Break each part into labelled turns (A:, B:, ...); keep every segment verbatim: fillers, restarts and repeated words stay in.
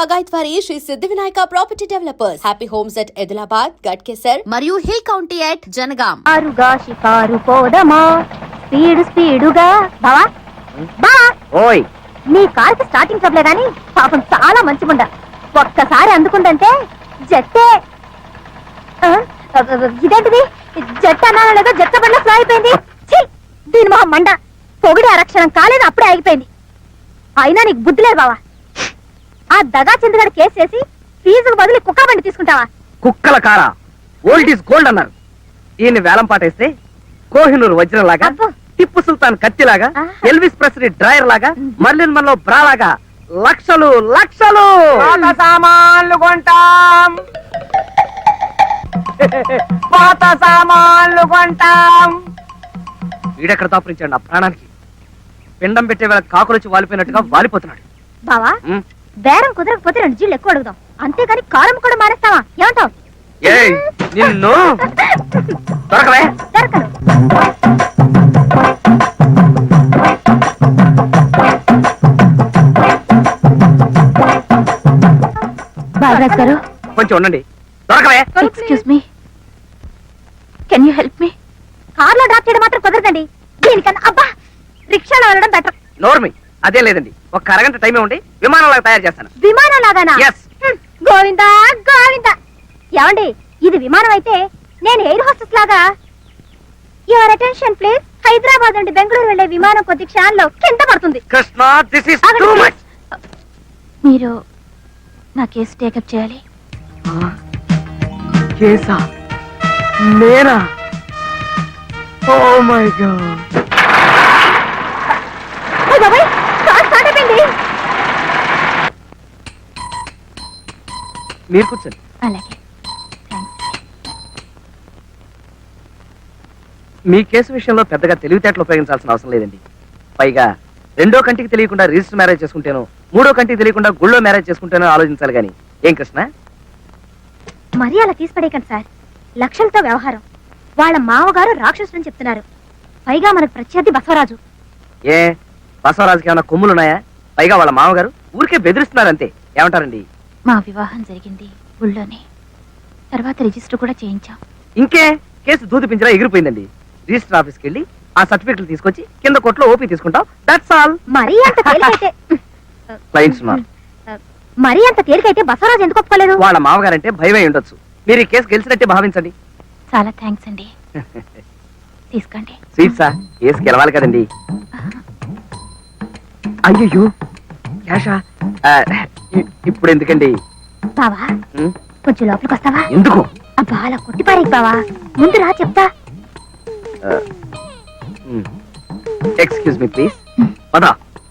A: పగాయత్వారి Shri Siddhi Vinayaka property developers. Happy homes at Edulabad, Ghatkesar మరియు hill county at Jangaon.
B: ఆరుగా షికారు పోదమా స్పీడ్ స్పీడుగా. బావా బా
C: ఓయ్,
B: నీ కాల్కి స్టార్టింగ్ ట్రబులే గాని పాపం చాలా మంచిగుండ. ఒక్కసారి అందుకుందంటే జట్టే. ఆ, ఇదేంటిది జట్టు అన్నా లేదో జట్ట బండ్ల ఫ్లో అయిపోయింది. దీని మొహం మండ. పొగిడి అరక్షణం కాలేదు, అప్పుడే ఆగిపోయింది. అయినా నీకు బుద్ధి లేదు బావా. ఆ దగా చంద్రగాడు కేసు చేసి ఫీజుకు బదులు కుక్క బండి తీసుకుంటావా?
C: కుక్కల కారా, ఓల్డ్ ఈజ్ గోల్డ్ అన్నారు. ఈయన్ని వేలం పాటేస్తే కోహినూరు వజ్రం లాగా, టిప్పు సుల్తాన్ కత్తిలాగా, ఎల్విస్ ప్రెస్లీ డ్రైయర్ లాగా, మర్లిన్ మన్లో బ్రా లాగా లక్షలు లక్షలు
D: పాత సామాన్లు కొంటాం, పాత సామాన్లు కొంటాం.
C: వీడెక్కడ దాపురించాడు నా ప్రాణానికి. పిండం పెట్టే వేళ కాకులొచ్చి వాలిపోయినట్టుగా వాలిపోతున్నాడు.
B: బావా బేరం కుదరకపోతే రెండు జీళ్ళు ఎక్కువ అడుగుదాం, అంతేగాని కారం కూడా మానేస్తావా? ఏమంటావు?
C: ఏయ్ నిన్ను దొరకవే.
B: దొరకను. బాలరాజ్ గారు
C: కొంచెం ఉండండి. దొరకవే.
B: Excuse me, can you help me? కార్లో డ్రాప్ చేయడం మాత్రం కుదరదండి. దీనికన్నా అబ్బా రిక్షాలో వెళ్ళడం బెటర్.
C: నోర్మి, అదే లేదండి. ఒక అరగంట టైమే ఉండి విమానంలాగా తయారు చేస్తాను.
B: విమానం లాగానా?
C: Yes.
B: గోవిందా గోవిందా. ఏమండి, ఇది విమానం అయితే నేను ఎయిర్ హోస్టెస్ లాగా. Your attention please. హైదరాబాద్ నుండి బెంగళూరు వెళ్లే విమానం కొద్ది క్షణాల్లో కింద పడుతుంది.
C: Krishna, this is too much.
B: మీరు నా కేసు టేకప్ చేయాలి.
C: కేసా? నేనా? Oh my god. మీరు కూర్చోండి.
B: అలాగే.
C: మీ కేసు విషయంలో పెద్దగా తెలివితేటలు ఉపయోగించాల్సిన అవసరం లేదండి. పైగా రెండో కంటికి తెలియకుండా రిజిస్టర్ మ్యారేజ్ చేసుకుంటేనో, మూడో కంటికి తెలియకుండా గుళ్ళో మ్యారేజ్ చేసుకుంటేనో ఆలోచించాలి గాని. ఏం కృష్ణ?
B: మరీ అలా తీసిపడేయకండి సార్. లక్షలతో వ్యవహారం. వాళ్ళ మావగారు రాక్షసుని చెప్తున్నారు. పైగా మనకు ప్రత్యర్థి బసవరాజు.
C: ఏ బసవరాజుకి ఏమైనా కొమ్ములున్నాయా? పైగా వాళ్ళ మామగారు ఊరికే బెదిరిస్తున్నారంతే. ఏమంటారండి?
B: మా వివాహం జరిగింది ఊళ్ళోనే. తర్వాత రిజిస్టర్ కూడా చేయించాం.
C: ఇంకే కేసు దూది పింజరా ఎగిరిపోయిందండి. రిజిస్టర్ ఆఫీస్కి వెళ్ళి ఆ సర్టిఫికెట్లు తీసుకొచ్చి కింద కోర్టులో ఓపీ తీసుకుంటాం. That's all.
B: మరీ అంత తేలికైతే
C: క్లయింట్స్ ఉన్నారు.
B: మరీ అంత తేలికైతే బసవరాజు ఎందుకు ఒప్పుకోలేదు?
C: వాళ్ళ మామగారంటే భయమై ఉండొచ్చు. మీరు ఈ కేసు గెలిచినట్టే భావించండి.
B: చాలా థ్యాంక్స్ అండి. తీసుకోండి.
C: స్వీట్సా? కేసు గెలవాలి కదండి. అయ్యో క్యాషా? ఇప్పుడు ఎందుకండి?
B: బావా కొంచెం లోపలికి వస్తావా?
C: ఎందుకు?
B: అబ్బా అలా కొట్టిపారేకి బావా. ముందు రా చెప్తా.
C: Excuse me please. పదా.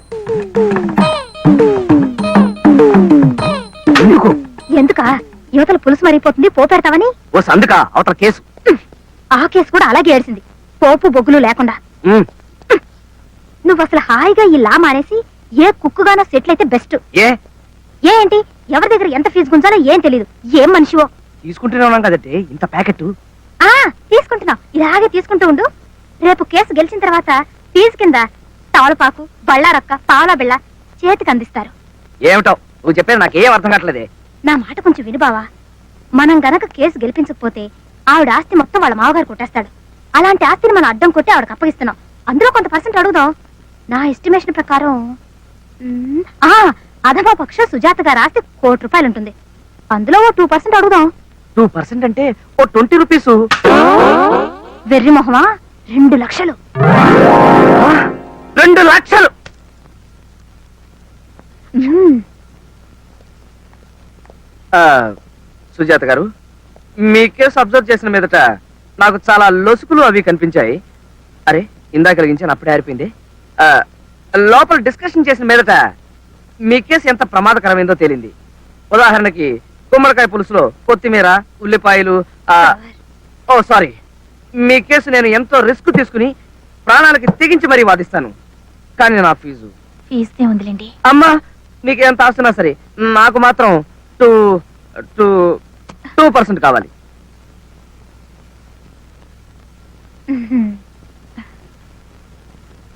C: ఎందుకు?
B: ఎందుకా? యువతల పులుసు మరిగిపోతుంది, పోపెడతావని.
C: ఓ సందుక అవతల కేసు.
B: ఆ కేసు కూడా అలాగే ఏడ్చింది, పోపు బొగ్గులు లేకుండా. నువ్వు అసలు హాయిగా ఈ లా మానేసి ఏ కుక్కుగానో సెటిల్ అయితే బెస్ట్.
C: ఏ
B: ఏంటి ఎవరి దగ్గర ఎంత ఫీజు గుంజాలో ఏం తెలీదు. ఏం మనిషివో.
C: తీసుకుంటూనే ఉన్నాం కదంటే ఇంత ప్యాకెట్.
B: ఆ తీసుకుంటున్నావు, ఇలాగే తీసుకుంటూ ఉండు. రేపు కేసు గెలిచిన తర్వాత ఫీజు కింద తవలపాకు, బళ్ళారక్క, పావలా బిళ్ళ చేతికి అందిస్తారు.
C: ఏమిటో నువ్వు చెప్పేది నాకేం అర్థం కావట్లేదే.
B: నా మాట కొంచెం విను బావా. మనం గనక కేసు గెలిపించకపోతే ఆవిడ ఆస్తి మొత్తం వాళ్ళ మామగారు కొట్టేస్తాడు. అలాంటి ఆస్తిని మనం అడ్డం కొట్టి ఆవిడకి అప్పగిస్తున్నాం. అందులో కొంత పర్సెంట్ అడుగుదాం. నా ఎస్టిమేషన్ ప్రకారం ఆ అధమా పక్ష సుజాత గారి ఆస్తి కోటి రూపాయలు ఉంటుంది. అందులో ఓ టూ పర్సెంట్ అడుగుదాం.
C: టూ పర్సెంట్ అంటే ఓ ట్వంటీ రూపీస్.
B: వెర్రి మొహమా, రెండు లక్షలు.
C: రెండు లక్షలు సుజాత గారు, మీ కేసు అబ్జర్వ్ చేసిన మీదట నాకు చాలా లొసుకులు అవి కనిపించాయి. అరే ఇందాక కలిగించాను, అప్పుడే ఆరిపోయింది. లోపల డిస్కషన్ చేసిన మీదట మీ కేసు ఎంత ప్రమాదకరమైందో తేలింది. ఉదాహరణకి గుమ్మడికాయ పులుసులో కొత్తిమీర, ఉల్లిపాయలు. ఓ సారీ, మీ కేసు నేను ఎంతో రిస్క్ తీసుకుని ప్రాణాలకి తెగించి మరీ వాదిస్తాను. కానీ నా ఫీజు
B: ఫీజుదే ఉందిలేండి.
C: అమ్మా, నీకు ఎంత ఆస్తున్నా సరే నాకు మాత్రం టూ టూ టూ పర్సెంట్ కావాలి.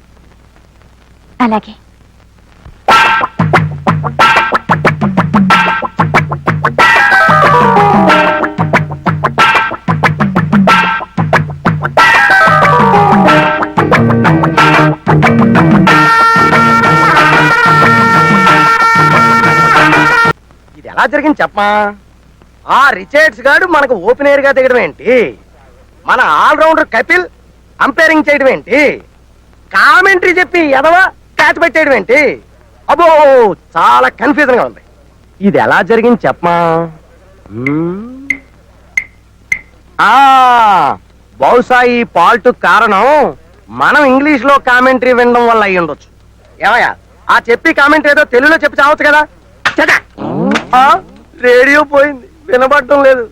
B: అలాగే.
D: ఎలా జరిగింది చెప్పమా? ఆ రిచర్డ్స్ గాడు మనకు ఓపెనర్ గా దిగడం ఏంటి? మన ఆల్రౌండర్ కపిల్ అంపైరింగ్ చేయడం ఏంటి? కామెంటరీ చెప్పి ఎదవా క్యాచ్ పెట్టేయడం ఏంటి? అబ్బో చాలా కన్ఫ్యూజన్ గా ఉంది. ఇది ఎలా జరిగింది చెప్పమా? మ్మ్. ఆ బహుశా ఈ పాల్ట్ కారణం మనం ఇంగ్లీష్ లో కామెంటరీ వినడం వల్ల అయ్యి ఉండొచ్చు. ఏమయ్యా ఆ చెప్పి కామెంటరీ ఏదో తెలుగులో చెప్పి చావచ్చు కదా. చట! ఆ, రేడియో పోయింది, వినబడటం లేదు.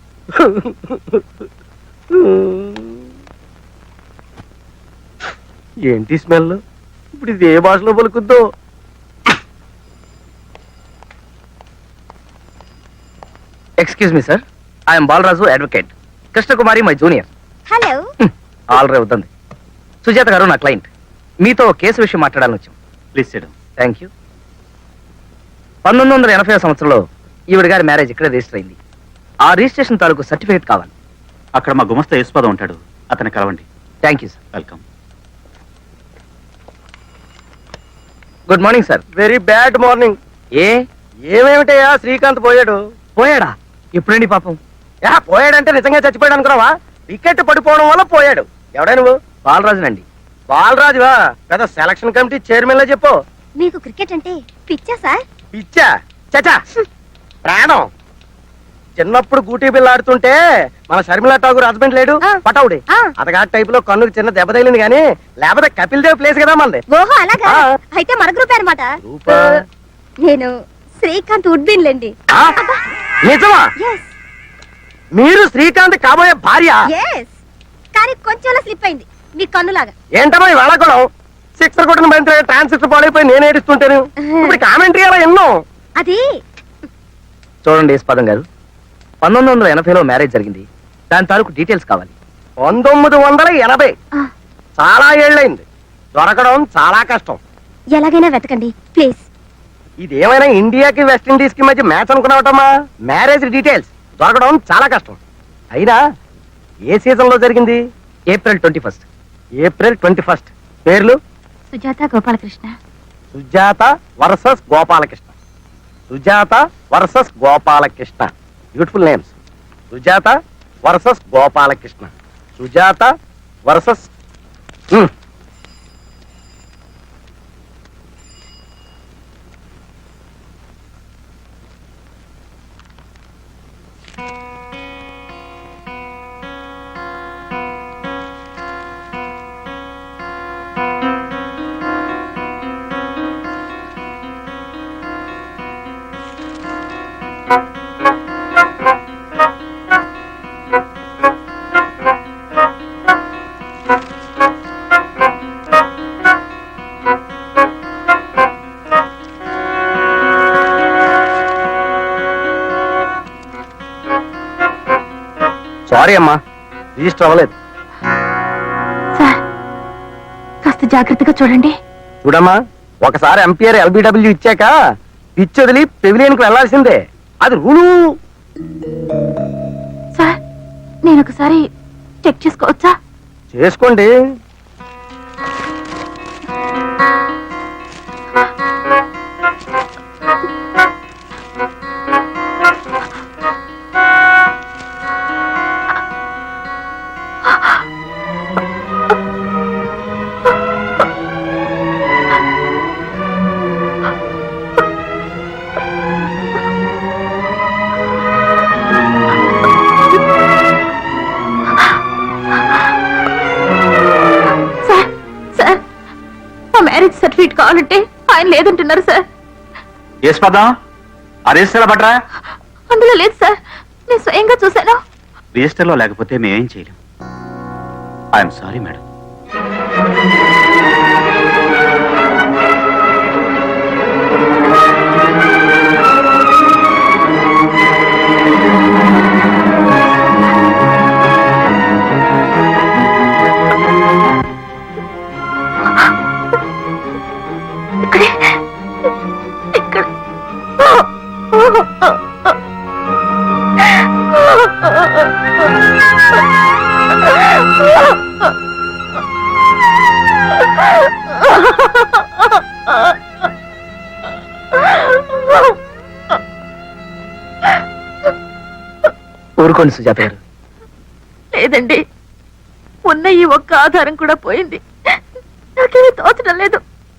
D: ఏంటి స్మెల్? ఇప్పుడు ఇది ఏ భాషలో పలుకుద్దో?
C: Excuse me sir, I'm Balaraju advocate. Krishnakumari my junior.
B: Hello.
C: Already అవుతుంది. సుజాత గారు నా క్లయింట్, మీతో కేసు విషయం మాట్లాడాలని వచ్చాం.
E: Please sit.
C: Thank you. పంతొమ్మిది వందల ఎనభై సంవత్సరంలో ఈవిడ గారి మ్యారేజ్ ఇక్కడే రిజిస్టర్ అయింది. ఆ రిజిస్ట్రేషన్ తాలూకు సర్టిఫికేట్ కావాలి.
E: అక్కడ మా గుమస్తా యేసుపాదం ఉంటాడు, అతన్ని కలవండి.
C: Thank you sir.
E: Welcome.
C: Good morning sir.
D: Very bad morning.
C: ఏ
D: ఏమేమిటయ్యా శ్రీకాంత్ పోయాడు?
C: పోయాడా? ఎప్పుడండి పాపం?
D: యా పోయాడంటే నిజంగా చచ్చిపోయాడు అనుకున్నావా? వికెట్ పడిపోవడం వల్ల పోయాడు. ఎవడా నువ్వు?
C: బాలరాజునండి.
D: బాలరాజువా? పెద్ద సెలక్షన్ కమిటీ చైర్మన్ లా చెప్పు.
B: మీకు క్రికెట్ అంటే పిచ్చా సార్?
D: పిచ్చా? చచా ప్రాణం. చిన్నప్పుడు గూటీ బిల్ల ఆడుతుంటే మన షర్మిలా ఠాగూర్ హస్బెండ్ లేడు,
B: ఆ.
D: పటౌడి.
B: ఆ.
D: అతగా టైప్ లో కన్నుకు చిన్న దెబ్బ తగిలింది కానీ లేకపోతే కపిల్ దేవ్ ప్లేస్ కదా మనది.
B: ఓహో అలాగా?
D: ఆ.
B: అయితే మన గ్రూప్ అనమాట.
D: గ్రూపా?
B: నేను శ్రీకాంత్ ఉడ్బిన్ లేండి.
D: ఆ? నిజమా?
B: ఎస్
D: మీరు శ్రీకాంత్ కాబోయే భార్య?
B: ఎస్ కానీ కొంచెంలో స్లిప్ అయింది మీ కన్నులాగా.
D: ఏంటమ్మా ఈ వేళాకుళం? సిక్సర్ కొట్టిన బంతి ట్రాన్సిస్టర్ పాడైపోయి నేను ఏడుస్తుంటాను. ఇప్పుడు కామెంటరీ అలా ఎన్నో.
B: అది
C: చూడండి యేసుపాదం గారు, పంతొమ్మిది వందల ఎనభైలో మ్యారేజ్ జరిగింది. దాని తాలూకు డీటెయిల్స్ కావాలి.
D: పంతొమ్మిది వందల ఎనభై
B: ఆ,
D: చాలా ఏళ్ళైంది. దొరకడం చాలా కష్టం.
B: ఎలాగైనా వెతకండి ప్లీజ్.
D: ఇదేమైనా ఇండియాకి వెస్టిండీస్ కి మధ్య మ్యాచ్ అనుకున్నావటమ్మా? మ్యారేజ్ డీటెయిల్స్ దొరకడం చాలా కష్టం. అయినా ఏ సీజన్ లో జరిగింది?
C: April twenty first.
D: April twenty first. పేర్లు?
B: Sujatha Gopalakrishna.
D: Sujatha versus Gopalakrishna. Sujatha versus Gopalakrishna. Beautiful names. Sujatha versus Gopalakrishna. Sujatha versus sorry అమ్మా, రిజిస్టర్ అవ్వలేదు.
B: సార్ కాస్త జాగ్రత్తగా చూడండి.
D: చూడమ్మా, ఒకసారి ఎంపీఆర్ ఎల్బిడబ్ల్యూ ఇచ్చాక పిచ్ వదిలి పెవిలియన్ కు వెళ్లాల్సిందే. అది రూలు.
B: సార్ నేను ఒకసారి చెక్ చేసుకోవచ్చా?
D: చేసుకోండి.
B: సార్ సార్ మా మ్యారేజ్ సర్టిఫికేట్ కావాలంటే ఆయన లేదంటున్నారు సార్.
E: యేసుపాదం, ఆ రిజిస్టర్ పట్రా.
B: అందులో లేదు సార్, నేను స్వయంగా చూశాను.
E: రిజిస్టర్లో లేకపోతే మేమేం చేయలేం. I'm sorry madam.
B: ఇక్కడ
C: ఊరుకోండి సుజాత గారు.
B: లేదండి, ఉన్న ఈ ఒక్క ఆధారం కూడా పోయింది. నాకేమీ తోచడం లేదు.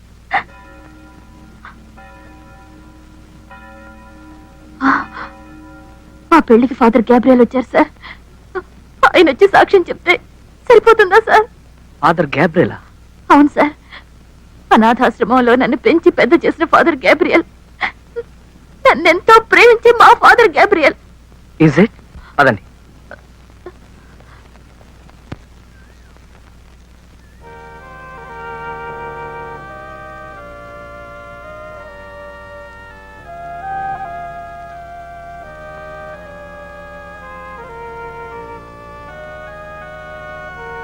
B: మా పెళ్లికి ఫాదర్ గ్యాబ్రియల్ వచ్చారు సార్. ఆయన వచ్చి సాక్ష్యం చెప్తే సరిపోతుందా సార్?
C: ఫాదర్ గ్యాబ్రియలా?
B: అవును సార్, అనాథాశ్రమంలో నన్ను పెంచి పెద్ద చేసిన ఫాదర్ గ్యాబ్రియల్, నన్నెంతో ప్రేమించే మా ఫాదర్ గ్యాబ్రియల్.
C: Is it? అదండి.